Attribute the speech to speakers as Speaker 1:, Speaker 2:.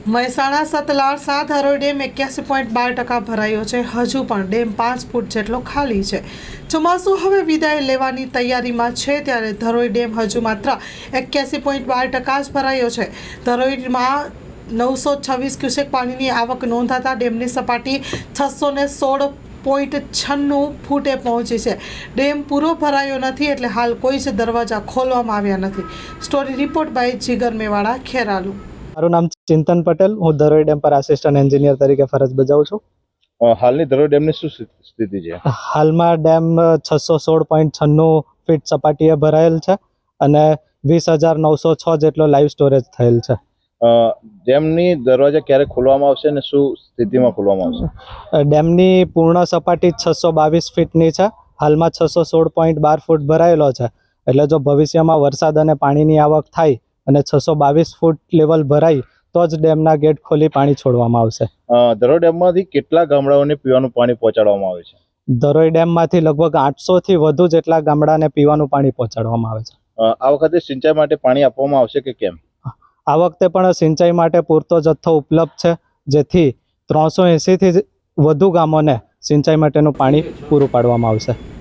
Speaker 1: Mehsana સતલાડ 7 હરોઈ dam 81.12% ભરાયો છે। હજુ પણ ડેમ 5 ફૂટ જેટલો ખાલી છે। ચોમાસું હવે વિદાય લેવાની તૈયારીમાં છે ત્યારે ધરોઈ ડેમ હજુ માત્ર 81.12% જ ભરાયો છે। ધરોઈમાં 926 ક્યુસેક પાણીની આવક નોંધાતા ડેમની સપાટી 616.96 ફૂટે પહોંચી છે। ડેમ પૂરો ભરાયો નથી એટલે હાલ કોઈ જ દરવાજા ખોલવામાં આવ્યા નથી। Story report by Jigar Mewada, Kheralu.
Speaker 2: મારું નામ ચિંતન પટેલ, હું ધરોઈ ડેમ પર આસિસ્ટન્ટ એન્જિનિયર તરીકે ફરજ બજાવું છું।
Speaker 3: હાલની ધરોઈ ડેમની શું સ્થિતિ છે?
Speaker 2: હાલમાં ડેમ 616.96 ફીટ સપાટીએ ભરાયેલ છે અને 20,906 જેટલો લાઈવ સ્ટોરેજ થયેલ છે।
Speaker 3: ડેમની દરવાજા ક્યારે ખોલવામાં આવશે અને શું સ્થિતિમાં ખોલવામાં આવશે?
Speaker 2: ડેમની પૂર્ણ સપાટી 622 ફીટની છે। હાલમાં 616.12 ફૂટ ભરાયેલો છે એટલે જો ભવિષ્યમાં વરસાદ અને પાણીની આવક થાય અને 622 ફૂટ લેવલ ભરાય તો જ ડેમના ગેટ ખોલી પાણી છોડવામાં આવશે।
Speaker 3: ધરોઈ ડેમમાંથી કેટલા ગામડાઓને પીવાનું પાણી પહોંચાડવામાં આવે છે?
Speaker 2: ધરોઈ ડેમમાંથી લગભગ 800 થી વધુ જેટલા ગામડાને પીવાનું પાણી પહોંચાડવામાં આવે છે।
Speaker 3: આ વખતે સિંચાઈ માટે પાણી આપવામાં આવશે કે કેમ?
Speaker 2: આ વખતે પણ સિંચાઈ માટે પૂરતો જથ્થો ઉપલબ્ધ છે જેથી 380 થી વધુ ગામોને સિંચાઈ માટેનું પાણી પૂરું પાડવામાં આવશે।